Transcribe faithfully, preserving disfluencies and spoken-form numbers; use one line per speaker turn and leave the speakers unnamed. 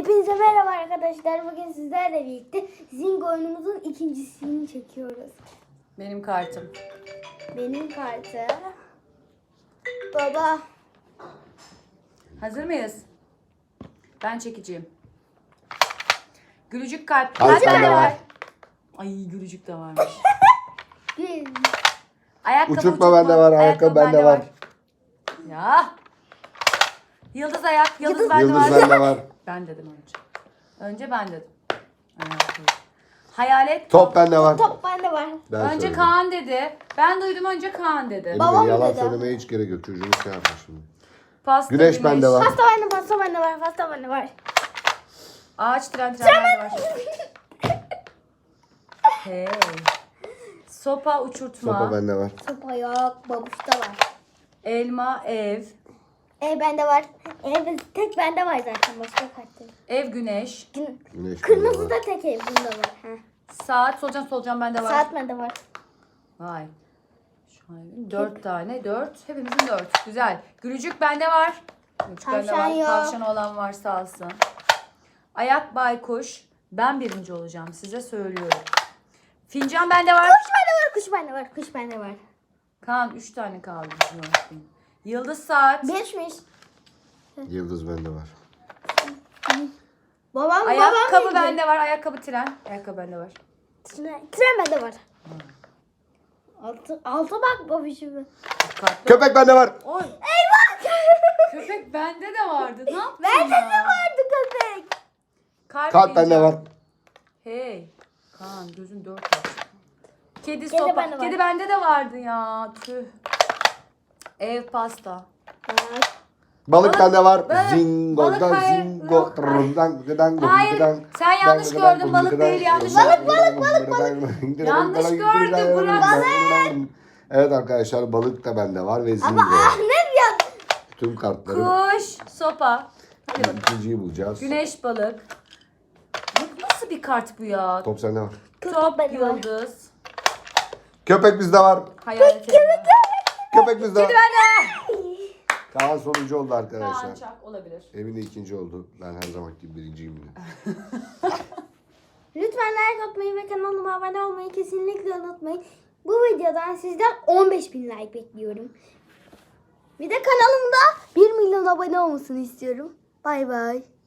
Hepinize merhaba arkadaşlar. Bugün sizlerle birlikte Zing oyunumuzun ikincisini çekiyoruz.
Benim kartım.
Benim kartı. Baba.
Hazır mıyız? Ben çekeceğim. Gülücük kalp.
Kalp
Kalp
bende
bende
var.
var. Ay gülücük de varmış.
Bir.
Ayakkabı
Uçurtma bende var, ayakkabı bende var.
Ya. Yıldız ayak, yıldız,
Yıldız-
bende
Yıldız
var.
bende var.
Ben dedim önce. Önce ben dedim. Ayakkabı. Hayalet.
Top bende var.
Top bende var.
Ben
önce
söyledim.
Kaan dedi. Ben duydum önce Kaan dedi.
Emine,
Babam
yalan
dedi.
söylemeye hiç gerek yok. Çocuğumuz şey yapma şimdi.
Pasta,
Güneş bende var.
Pasta bende, pasta bende var, pasta bende var.
Ağaç tren tren bende var. Hey. Sopa uçurtma.
Sopa bende var.
Sopa yok, babuşta var.
Elma ev.
Ev bende var. Ev tek bende var zaten, başka kartım.
Ev güneş.
Gün-
Güneş
Kırmızı
bende
da
var.
tek ev bunda var. Heh.
Saat solucan solucan bende var.
Saat bende var.
Vay. Şu an dört tane. Dört. Hepimizin dört. Güzel. Gülücük bende var. Gülücük bende
Tavşan
var.
yok.
Tavşan olan var sağ olsun. Ayak baykuş. Ben birinci olacağım. Size söylüyorum. Fincan bende var.
Kuş bende var, kuş bende var, kuş bende var.
Kaan üç tane kaldı. Yıldız saat.
Beşmiş.
Yıldız bende var.
Babam,
Ayakkabı
babam
bende var. Ayakkabı tren. Ayakkabı bende var.
Tren, tren bende var. Altı, altı bak babişim.
Dikkatli ol.
Köpek bende var.
Oy.
Eyvah!
Köpek bende de vardı. Ne yaptın
Bende
ya?
de vardı köpek.
Kalp,
Kalp bende
fincan.
var.
Hey. Kaan gözün dört var. Kedi,
Kedi
sopa.
bende var.
Kedi bende de vardı ya. Tüh. Ev pasta.
Balık
Balık-
bende var.
balık-
Zingo
balık
da
hayır.
zingo.
Yok,
Trrrdan, gıdan, gıdan,
Hayır,
gıdan,
sen yanlış
gıdan,
gördün,
gıdan,
balık
gıdan,
değil, yanlış
gıdan,
gördün.
gıdan, gıdan, gıdan,
Yanlış
gıdan,
gördün,
gıdan,
bırak.
gıdan. Evet arkadaşlar, balık da bende var ve zingo.
Ah ne ya?
Tüm kartları.
Kuş, sopa. Hadi bakalım.
İkinciyi bulacağız.
Güneş, balık. Bu nasıl bir kart bu ya?
Top sende var.
Top,
bende var.
yıldız.
Köpek bizde var.
Hayalet. Kedi
Köpek bizde var.
bende.
Kaan sonuncu oldu
Kaan
arkadaşlar.
çak olabilir.
Emine ikinci oldu. Ben her zaman gibi birinciyim yine.
Lütfen like atmayı ve kanalıma abone olmayı kesinlikle unutmayın. Bu videodan sizden on beş bin like bekliyorum. Bir de kanalımda bir milyon abone olmasını istiyorum. Bay bay.